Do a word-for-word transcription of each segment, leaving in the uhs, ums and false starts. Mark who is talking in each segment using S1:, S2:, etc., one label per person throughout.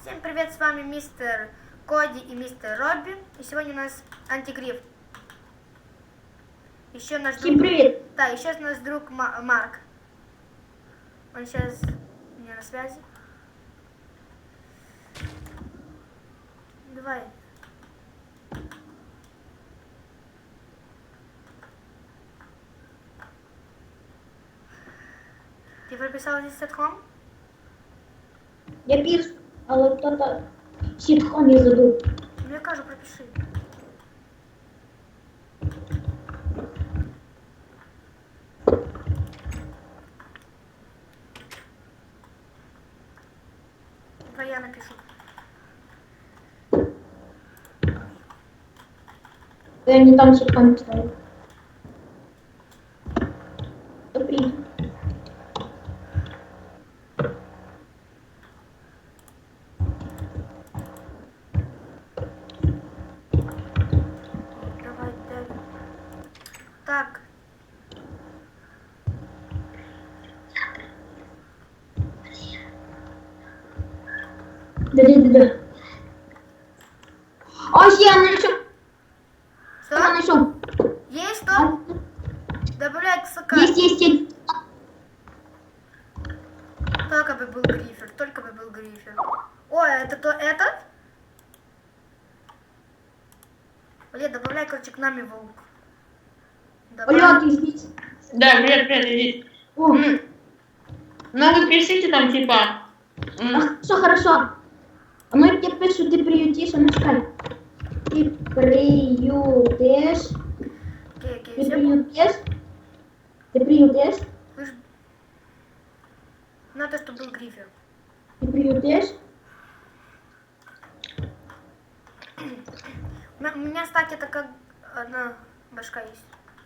S1: Всем привет, с вами мистер Коди и мистер Робби. И сегодня у нас антигриф. Еще наш
S2: Всем
S1: друг...
S2: привет.
S1: Да, еще наш друг Ма- Марк. Он сейчас у меня на связи. Давай. Ти прописав зі ситком?
S2: Я пів, але хто-то сітхом я забув.
S1: Ну я кажу, пропиши. Давай я напишу.
S2: Я не там сітхом ставив. Добрий.
S1: Давай, дай. Так.
S2: Да-да-да. Ось я знайшов.
S1: Что?
S2: Я знайшов.
S1: Есть что? Добавляй к сока.
S2: Есть, есть, есть.
S1: Только бы был грифер, только бы был грифер. О, это то этот? Блин, добавляй, короче, к нами волк. Добавляй.
S2: Оля, ты здесь?
S3: Да, привет, привет, иди.
S2: О,
S3: М, Ну вы пишите там типа. м,
S2: а, все хорошо. А ну я тебе пишу, ты приютишь, а ну чекай. Ты приютишь.
S1: Окей, окей,
S2: Ты
S1: все.
S2: приютишь. Ты приютишь.
S1: Вы ж... Надо, чтобы был грифер.
S2: Ты приютишь.
S1: У меня- у меня, кстати, это как одна башка есть.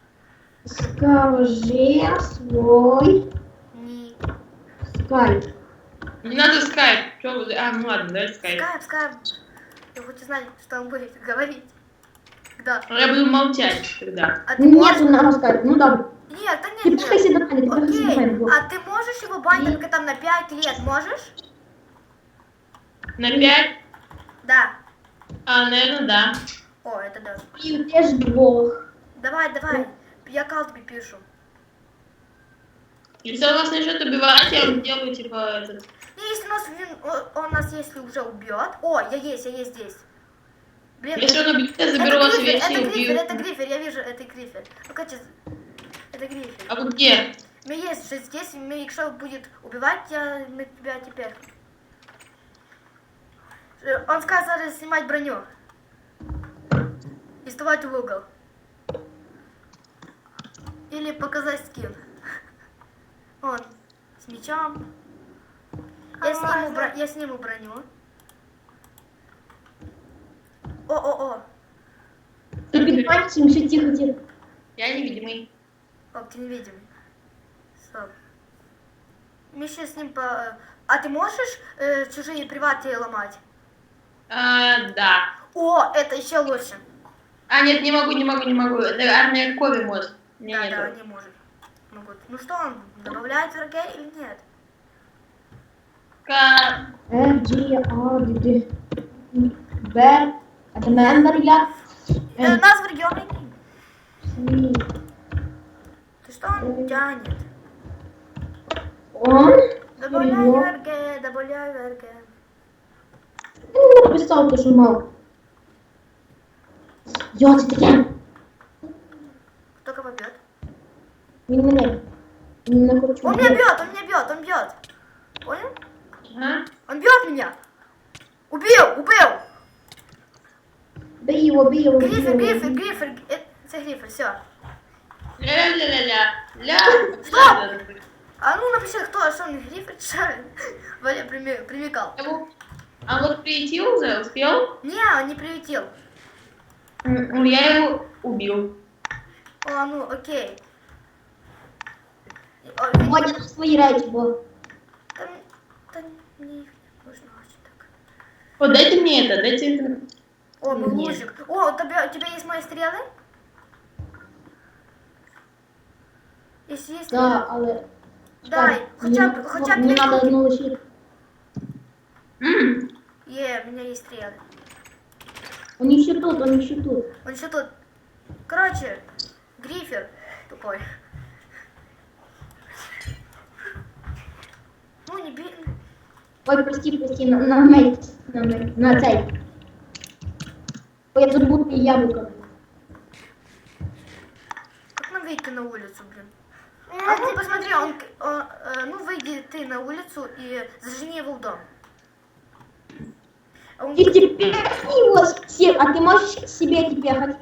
S2: Скажи свой
S1: Не.
S2: скайп.
S3: Не надо скайп. Чё вы- А, ну ладно, давай скайп.
S1: Скайп, скайп. Я хочу знать, что он будет говорить. Да.
S3: Но я буду молчать тогда.
S1: А ты
S2: Нет,
S1: можешь...
S2: у нас скайп. Ну да.
S1: Нет, да
S2: Ты
S1: нет,
S2: пихайся
S1: нет.
S2: до мене, ти пихайся до
S1: Окей,
S2: мене.
S1: а ты можешь его бандинга там на пять лет, можешь?
S3: На пять?
S1: Да.
S3: А, наверное, да.
S1: О, это да.
S2: Приютиш двох.
S1: Давай, давай. Я кал тебе пишу.
S3: Если он вас начнет убивать, я вам делаю типа этот.
S1: И если у нас, вин- о- он нас если уже убьет. О, я есть, я есть здесь. Блин,
S3: Если
S1: это,
S3: он убьет, я
S1: это
S3: заберу вас
S1: грифер,
S3: вещи
S1: это
S3: и
S1: грифер,
S3: убью.
S1: это грифер, я вижу, это грифер. Ну, короче, это грифер.
S3: А вы где?
S1: У меня есть же здесь, мы, если он будет убивать, я, мы тебя теперь. Э, Он сказал снимать броню. И вставать в угол. Или показать скин. Он с мечом. Я сниму, бро- я сниму броню. О-о-о.
S2: Ти під пальцем, ще тихо, тихо.
S3: Я невидимый.
S1: Оп, ты невидимый. Стоп. Мы сейчас с ним по... А ты можешь э, чужие приваты ломать?
S3: А, да.
S1: О, это еще лучше.
S3: А, нет, не могу, не могу, не могу. Это армия Кови может. Не,
S1: Да,
S3: нету.
S1: да, не может. Могут. Ну что, он добавляет врагей или нет?
S3: Ка-
S2: Е, Джі, А, Д, Д. Б. А це мембер я.
S1: Э,
S2: Е,
S1: нас врагем.
S2: Сі.
S1: Ты что он тянет?
S2: Он.
S1: Добавляй
S2: Серйозно?
S1: врагей, добавляй врагей.
S2: Він не написав, то що мав. Йо, це таке.
S1: Кто кого бьет?
S2: Він мене. Він не хоче.
S1: Он меня бьет, он меня бьет, он бьет. Понял?
S3: Ага.
S1: Он бьет меня. Убил, убил.
S2: Бий його, бий його, бий
S1: Грифер,
S2: його.
S1: грифер, грифер. Э, Это грифер, все.
S3: Ля-ля-ля-ля. Ля.
S1: Стоп! А ну напиши, кто, что он грифер, что? Валя прими- примекал.
S3: Его- А вот приютил уже, успел?
S1: Не, он не приютил.
S3: Ну, я его убил.
S1: О, ну, окей. О, видимо,
S2: Водя на свої речі, бо.
S1: там, там не нужно очень так.
S3: Вот дайте мне это, дайте это.
S1: О, ну
S3: Нет.
S1: лужик. О, у тебя, у тебя есть мои стрелы? Если есть
S2: Да,
S1: стрелы,
S2: але.
S1: дай,
S2: Чекай,
S1: хоча б,
S2: мені-
S1: хоча б
S2: Мені
S1: дві
S2: треба
S1: штуки.
S2: одну лишити.
S3: М,
S1: Е, у меня есть стрелы.
S2: Он еще тут, он еще тут.
S1: Он еще тут. Короче, Грифер тупой. Ну, не би...
S2: Ой, прости, прости, на, на, мейт, на, мейт, на цей. Ой, я забыл яблоко.
S1: Как нам выйти на улицу, блин? А ну, посмотри, он, он, э, ну, выйди ты на улицу и зажени его в дом. А он-
S2: Ты теперь его все, а ты можешь к себе теперь хоть?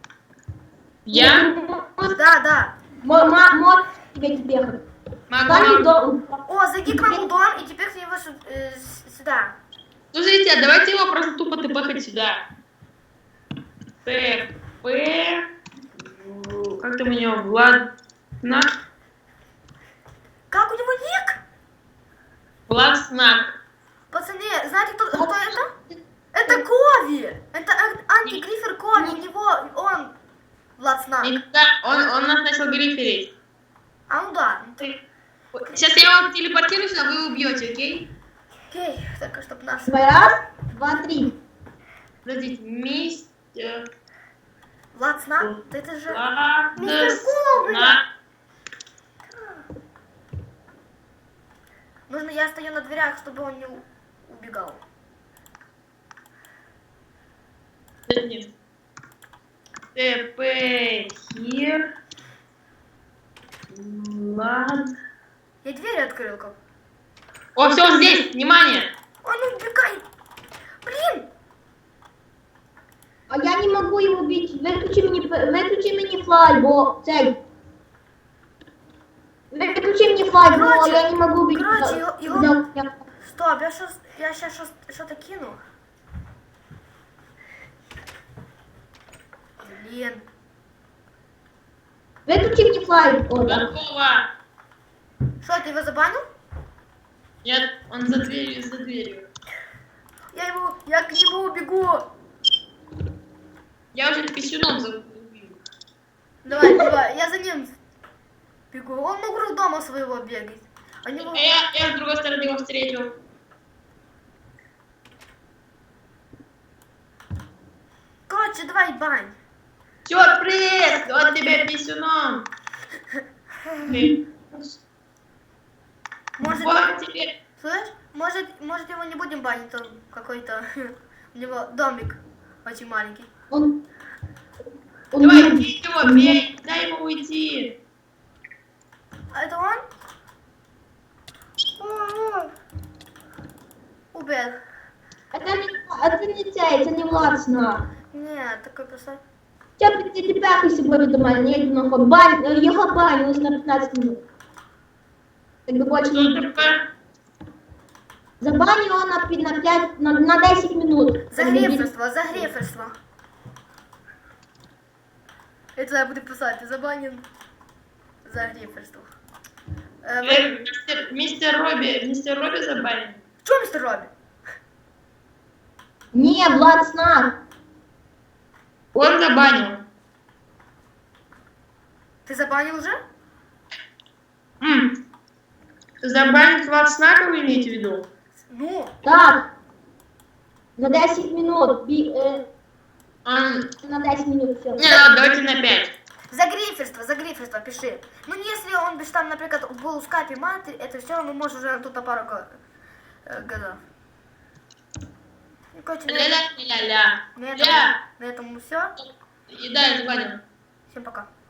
S3: Я?
S1: Да, да.
S2: Можешь к себе теперь хоть?
S3: Могу.
S2: Дай дом.
S1: О, зайди к нам в дом и теперь к него сю- э, с- сюда.
S3: Слушайте, а давайте его просто тупо тпхать сюда. Т, П, как там у него, Влад, Снак?
S1: Как у него ник?
S3: Влад Снак.
S1: Пацаны, знаете, кто, кто это? Это Кови. Это ан- антигрифер Кови. У него, он, Влад Снак.
S3: Никогда, он, он нас начал гриферить.
S1: А ну да. Ну ты-
S3: Сейчас я его телепортируюсь, а вы убьете, окей?
S1: Окей, так, чтоб нас...
S2: Давай, раз, два, три.
S3: Подождите, мистер...
S1: Влад Снак? Да это же...
S3: Влад
S1: Мистер Кови.
S3: Снак.
S1: Нужно, я стою на дверях, чтобы он не у- убегал.
S3: Нет. Т, П, Хир. Влад...
S1: Я двери открыл как.
S3: О, все, он здесь, внимание!
S1: Он убегает. Блин!
S2: А я не могу его убить. Выключи мне, выключи мне флай, бо цей. Выключи мне флай, бо
S1: Короче,
S2: я не могу убить.
S1: короче, его- его-
S2: Да, я-
S1: Стоп, я сейчас я сейчас что-то кину. Блин.
S2: Выключи мне флай. О, да.
S3: Готово!
S1: Что, ты его забанил?
S3: Нет, он за дверью, за дверью.
S1: Я его, я к нему убегу.
S3: Я уже писюном забыл.
S1: Давай, давай, я за ним бегу. Он мог дома своего бегать. А не
S3: А
S1: мог-
S3: я, я с другой стороны его встретил.
S1: Короче, давай бань.
S3: Сюрприз! Вот тебе писюном! Блин.
S1: Может,
S3: Вот тебе.
S1: слышь, может, может его не будем банить, он какой-то, у него домик очень маленький.
S2: Он... он
S3: Давай,
S2: не-
S3: бей его, бей, дай ему уйти.
S1: А это он? О, о. Убил.
S2: Это не, это не цей, це не Влад.
S1: Нет, такой просто...
S2: Сейчас ты ты пяхайся буде до мене, я йду на ход. Бань, його банилось на пятнадцать минут. Так бы больше
S3: Что
S2: не...
S3: такое?
S2: Забань его на, пи- на, пять, на, на десять минут.
S1: Загреферство, загреферство. Это я буду писать, забанен загреферство. Э, вы-
S3: Э, Мистер, мистер Робби, мистер Робби забанен.
S1: Чё, мистер Робби?
S2: Не, Влад Снак.
S3: Он забанил.
S1: Ты забанил уже?
S3: М. Забанить Влад Снака вы имеете в виду?
S1: Ну,
S2: Так. На десять минут. Би, э,
S3: Он...
S2: на десять минут все.
S3: Не, ладно, давайте на пять.
S1: загреферство, загреферство, пиши. Ну, если он бы там, например, был у скайпе маты, это все, мы можем уже тут на пару го- э, годов. Ну, короче, на,
S3: Ля-ля-ля-ля.
S1: на этом,
S3: Ля.
S1: на этом все.
S3: И да, я забанил.
S1: Всем пока.